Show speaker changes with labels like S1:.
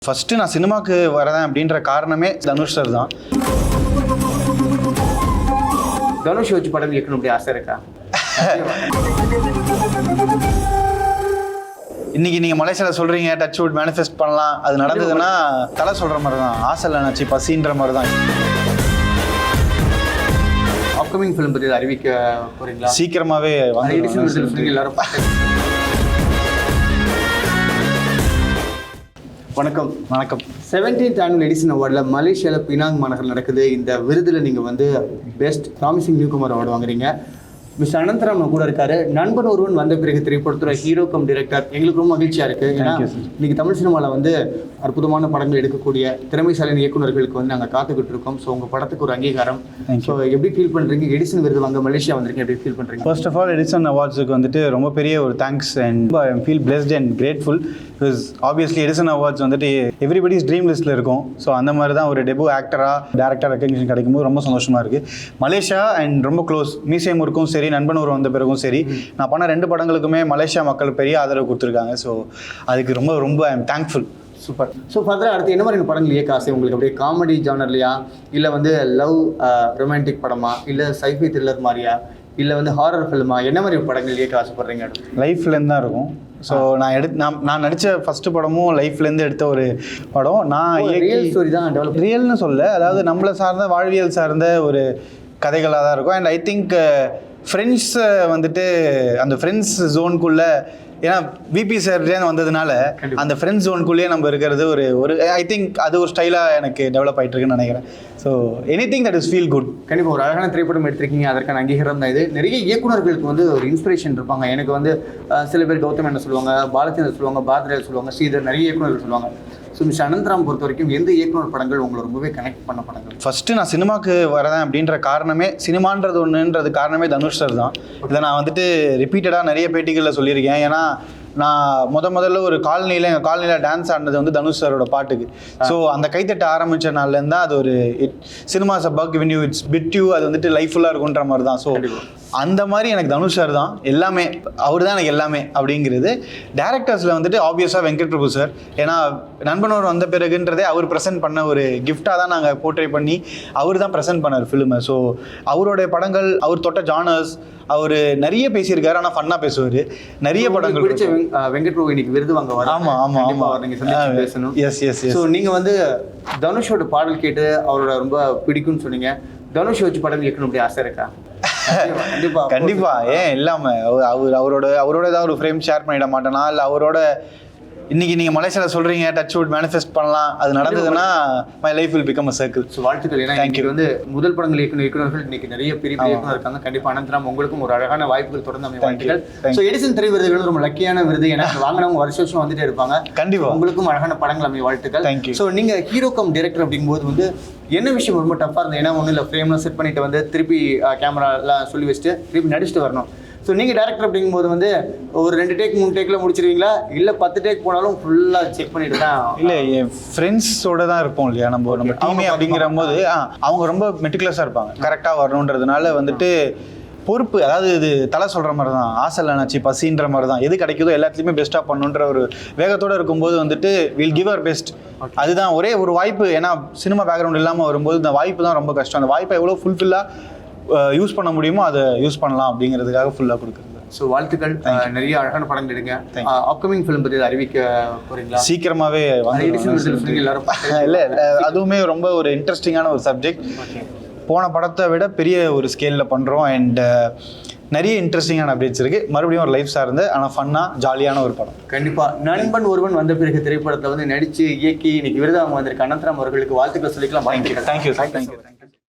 S1: First நான் சினிமாக்கு வரேன் அப்படின்ற காரணமே தனுஷ் சார் தான்.
S2: தனுஷ் வச்சு படம் இயக்கணும் அப்படி ஆசை இருக்கா?
S1: இன்னைக்கு நீங்க மலேசியால சொல்றீங்க டச் வுட் மேனிஃபெஸ்ட் பண்ணலாம், அது நடந்ததுன்னா தலை சொல்ற மாதிரி தான், ஆசை இல்லை நினச்சி பசின்ற மாதிரி தான்.
S2: அப்கமிங் ஃபிலிம் பற்றி அறிவிக்க போறீங்களா?
S1: சீக்கிரமாவே வந்து
S2: எல்லாரும் வணக்கம். 17th annual எடிசன் அவார்டில் மலேசியாவில் பினாங் மாநகரில் நடக்குது. இந்த விருதில் நீங்கள் வந்து பெஸ்ட் ப்ராமிசிங் நியூகமர் அவார்டு வாங்குறீங்க. மிஸ்டர் அனந்தராம் நம்ம கூட இருக்காரு. நண்பன் ஒருவன் வந்த பிறகு திரைப்படத்துறை ஹீரோ கம் டிரெக்டர். எங்களுக்கு ரொம்ப மகிழ்ச்சியாக இருக்குது. ஏன்னா இன்னைக்கு தமிழ் சினிமாவில் வந்து அற்புதமான படங்கள் எடுக்கக்கூடிய திறமைசாலின் இயக்குநர்களுக்கு வந்து நாங்கள் காத்துக்கிட்டு இருக்கோம். ஸோ உங்கள் படத்துக்கு ஒரு அங்கீகாரம். ஸோ எப்படி ஃபீல் பண்ணுறீங்க? எடிசன் விருது வாங்க மலேசியா வந்திருக்கீங்க, எப்படி ஃபீல் பண்ணுறீங்க?
S1: ஃபர்ஸ்ட் ஆஃப் ஆல் எடிசன் அவார்ட்ஸுக்கு வந்துட்டு ரொம்ப பெரிய ஒரு thanks and I feel blessed and grateful. Because obviously Edison awards வந்துட்டு எவ்ரிபடிஸ் ட்ரீம் லிஸ்ட்டில் இருக்கும். ஸோ அந்த மாதிரி தான் ஒரு டெபு ஆக்டராக டேரக்டர் ரெக்கக்னிஷன் கிடைக்கும்போது ரொம்ப சந்தோஷமாக இருக்குது. மலேசியா அண்ட் ரொம்ப க்ளோஸ் மீசேம் இருக்கும் சரி, நண்பன் ஒரு வந்த பிறகும் சரி, நான் பண்ண 2 படங்களுக்குமே மலேசியா மக்கள் பெரிய ஆதரவு கொடுத்துருக்காங்க. ஸோ அதுக்கு ரொம்ப ரொம்ப I am thankful.
S2: Super. So ஃபர்தராக அடுத்து என்ன மாதிரி படங்கள் இயக்க ஆசை உங்களுக்கு? அப்படியே காமெடி ஜானர்லையா, இல்லை வந்து லவ் ரொமான்டிக் படமா, இல்லை சைஃபை த்ரில்லர் மாதிரியா, இல்லை வந்து ஹாரர் ஃபிலிமா, என்ன மாதிரி படங்கள் இயக்க ஆசைப்படுறீங்க?
S1: லைஃப்லேருந்து தான் இருக்கும். ஸோ நான் நடித்த ஃபஸ்ட்டு படமும் லைஃப்லேருந்து எடுத்த ஒரு படம். நான்
S2: ரியல் ஸ்டோரி தான் டெவலப்,
S1: ரியல்னு சொல்ல, அதாவது நம்மளை சார்ந்த வாழ்வியல் சார்ந்த ஒரு கதைகளாக தான் இருக்கும். அண்ட் ஐ திங்க் ஃப்ரெண்ட்ஸை வந்துட்டு அந்த ஃப்ரெண்ட்ஸ் ஜோனுக்குள்ளே, ஏன்னா விபி சார்லேருந்து வந்ததுனால அந்த ஃப்ரெண்ட்ஸ் ஜோனுக்குள்ளேயே நம்ம இருக்கிறது ஒரு ஐ திங்க் அது ஒரு ஸ்டைலாக எனக்கு டெவலப் ஆகிட்டு இருக்குன்னு நினைக்கிறேன். So anything that is feel good.
S2: கண்டிப்பாக ஒரு அழகான திரைப்படம் எடுத்திருக்கீங்க, அதற்கான அங்கீகாரம் தான் இது. நிறைய இயக்குநர்களுக்கு வந்து ஒரு இன்ஸ்பிரேஷன் இருப்பாங்க. எனக்கு வந்து சில பேர் கௌதம் என்ன சொல்லுவாங்க, பாலச்சந்தர் சொல்லுவாங்க, பாரதியார் சொல்லுவாங்க, ஸ்ரீதர், நிறைய இயக்குநர்கள் சொல்லுவாங்க. ஸோ மிஸ்டர் அனந்தராம் பொறுத்த வரைக்கும் எந்த இயக்குனர் படங்கள் உங்களை ரொம்பவே கனெக்ட் பண்ண படங்கள்?
S1: ஃபஸ்ட்டு நான் சினிமாக்கு வரேன் அப்படின்ற காரணமே, சினிமான்றது ஒன்றுன்றது காரணமே தனுஷ் சார் தான். இதை நான் வந்துட்டு ரிப்பீட்டடாக நிறைய பேட்டிகளில் சொல்லியிருக்கேன். ஏன்னா நான் முதல்ல ஒரு எங்கள் காலனியில் டான்ஸ் ஆடினது வந்து தனுஷ் சாரோட பாட்டுக்கு. ஸோ அந்த கைத்தட்ட ஆரம்பித்த நாள்லேருந்து தான் அது ஒரு cinema's bug when you it's bit you, அது வந்துட்டு லைஃப்ஃபுல்லாக இருக்குன்ற மாதிரி தான். ஸோ அந்த மாதிரி எனக்கு தனுஷ் சார் தான் எல்லாமே, அவர் தான் எனக்கு எல்லாமே அப்படிங்கிறது. டேரக்டர்ஸில் வந்துட்டு ஆப்வியஸாக வெங்கட் பிரபு சார். ஏன்னா நண்பனோர் வந்த பிறகுன்றதே அவர் ப்ரெசென்ட் பண்ண ஒரு கிஃப்டாக தான் நாங்கள் போர்ட்ரே பண்ணி அவர் தான் ப்ரெசென்ட் பண்ணார் ஃபிலிமை. ஸோ அவருடைய படங்கள், அவர் தொட்ட ஜானர்ஸ், அவர் நிறைய பேசியிருக்காரு. ஆனால் ஃபன்னாக பேசுவார். நிறைய படங்கள்
S2: பிடிச்ச வெங்கட் பிரபு இன்னைக்கு விருது வாங்க வர.
S1: ஆமாம்
S2: நீங்கள் சந்திச்சு பேசணும்.
S1: எஸ்.
S2: ஸோ நீங்கள் வந்து தனுஷோட பாடல் கேட்டு அவரோட ரொம்ப பிடிக்கும்னு சொன்னீங்க. தனுஷ் வச்சு படம் இயக்கணும் அப்படி ஆசை இருக்கா?
S1: கண்டிப்பா. ஏன் இல்லாம அவரோட ஏதாவது ஒரு ஃப்ரேம் ஷேர் பண்ணிட மாட்டேனா? இல்லை அவரோட இன்னைக்கு நீங்க மலேசியால சொல்றீங்க டச் வுட் மேனிஃபெஸ்ட் பண்ணலாம், அது நடந்ததுன்னா my life will become a circle.
S2: So வாழ்த்துக்கள். ஏன்னா இன்னைக்கு வந்து முதல் படங்கள் இயக்குநர்கள் இன்னைக்கு நிறைய பெரிய இயக்குனர் இருக்காங்க. கண்டிப்பா அனந்தராம் உங்களுக்கும் ஒரு அழகான வாய்ப்புகள் தொடர்ந்து அமைய வாழ்த்துக்கள். ஸோ எடிசன் திரை விருதுகள் ரொம்ப லக்கியான விருது. ஏன்னா வாங்கினவங்க வருஷம் வந்துட்டே இருப்பாங்க. கண்டிப்பா உங்களுக்கும் அழகான படங்கள் அமைய வாழ்த்துக்கள். ஸோ நீங்க ஹீரோ கம் டிரெக்டர் அப்படிங்கும்போது வந்து என்ன விஷயம் ரொம்ப டஃபாக இருந்தது? ஏன்னா ஒன்றும் இல்லை, ஃப்ரேம்லாம் செட் பண்ணிட்டு வந்து திருப்பி கேமராலாம் சொல்லி வச்சுட்டு திருப்பி நடிச்சுட்டு வரணும். ஸோ நீங்கள் டேரக்டர் அப்படிங்கும்போது வந்து ஒரு 2 டேக் 3 டேக்கில் முடிச்சிருவீங்களா, இல்லை 10 டேக் போனாலும் ஃபுல்லாக செக் பண்ணிட்டு தான்?
S1: இல்லை, என் ஃப்ரெண்ட்ஸோட தான் இருப்போம் இல்லையா நம்ம டீமே. அப்படிங்கிற போது அவங்க ரொம்ப மெட்டிகுலஸாக இருப்பாங்க, கரெக்டாக வரணுன்றதுனால வந்துட்டு பொறுப்பு. அதாவது இது தலை சொல்கிற மாதிரி தான், ஆசை இல்லை நினச்சி பசின்ற மாதிரி தான். எது கிடைக்குதோ எல்லாத்துலேயுமே பெஸ்ட்டாக பண்ணணுன்ற ஒரு வேகத்தோடு இருக்கும்போது வந்துட்டு வில் கிவ் அவர் பெஸ்ட். அதுதான் ஒரே ஒரு வாய்ப்பு. ஏன்னா சினிமா பேக்ரவுண்ட் இல்லாமல் வரும்போது இந்த வாய்ப்பு தான் ரொம்ப கஷ்டம். அந்த வாய்ப்பை எவ்வளோ ஃபுல்ஃபில்லாக யூஸ் பண்ண முடியுமோ அதை யூஸ் பண்ணலாம் அப்படிங்கிறதுக்காக ஃபுல்லாக கொடுக்குறது.
S2: ஸோ வாழ்த்துக்கள். நிறைய அழகான படங்கள் எடுங்க. அப்கமிங் ஃபிலிம் பற்றி அறிவிக்க போறீங்களா?
S1: சீக்கிரமாகவே
S2: எல்லாரும்
S1: இல்லை, அதுவுமே ரொம்ப ஒரு இன்ட்ரெஸ்டிங்கான ஒரு சப்ஜெக்ட். போன படத்தை விட பெரிய ஒரு ஸ்கேலில் பண்ணுறோம். அண்ட் நிறைய இன்ட்ரெஸ்டிங்கான அப்டேட்ஸ் இருக்குது. மறுபடியும் ஒரு லைஃப் சார்ந்து ஆனால் ஃபன்னாக ஜாலியான ஒரு படம்.
S2: கண்டிப்பாக நண்பன் ஒருவன் வந்த பிறகு திரைப்படத்தில் வந்து நடித்து இயக்கி இன்னைக்கு விருது அவங்க வந்திருக்க அனந்தராம் அவர்களுக்கு வாழ்த்துக்கள் சொல்லிக்கலாம்.
S1: தேங்க்யூ.